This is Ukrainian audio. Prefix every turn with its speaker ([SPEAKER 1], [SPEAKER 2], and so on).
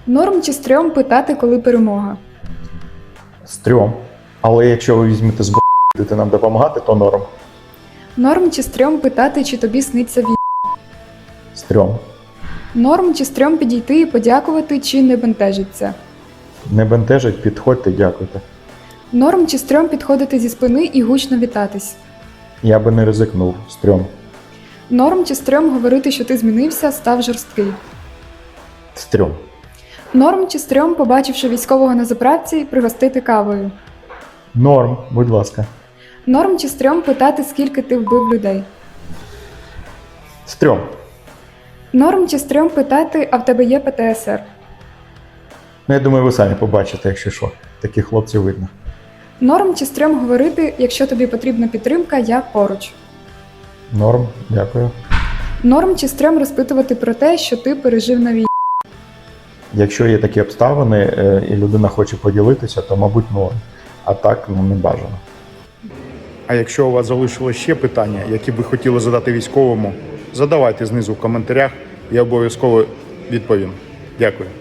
[SPEAKER 1] Норм чи стрьом питати, коли перемога?
[SPEAKER 2] Стрьом. Але якщо ви візьмете з будете нам допомагати, то норм.
[SPEAKER 1] Норм чи стрьом питати, чи тобі сниться вій?
[SPEAKER 2] Стрьом.
[SPEAKER 1] Норм чи стрьом підійти і подякувати, чи не бентежиться?
[SPEAKER 2] Не бентежить, підходьте, дякуйте.
[SPEAKER 1] Норм чи стрьом підходити зі спини і гучно вітатись?
[SPEAKER 2] Я би не ризикнув. Стрьом.
[SPEAKER 1] Норм чи стрьом говорити, що ти змінився, став жорсткий?
[SPEAKER 2] Стрьом.
[SPEAKER 1] Норм чи стрьом, побачивши військового на заправці, пригостити кавою?
[SPEAKER 2] Норм, будь ласка.
[SPEAKER 1] Норм чи стрьом питати, скільки ти вбив людей?
[SPEAKER 2] Стрьом.
[SPEAKER 1] Норм чи стрьом питати, а в тебе є ПТСР?
[SPEAKER 2] Ну, я думаю, ви самі побачите, якщо що. Таких хлопців видно.
[SPEAKER 1] Норм чи стрьом говорити, якщо тобі потрібна підтримка, я поруч?
[SPEAKER 2] Норм, дякую.
[SPEAKER 1] Норм чи стрьом розпитувати про те, що ти пережив на війні?
[SPEAKER 2] Якщо є такі обставини і людина хоче поділитися, то, мабуть, норм. А так, не бажано.
[SPEAKER 3] А якщо у вас залишилось ще питання, які ви хотіли задати військовому, задавайте знизу в коментарях, я обов'язково відповім. Дякую.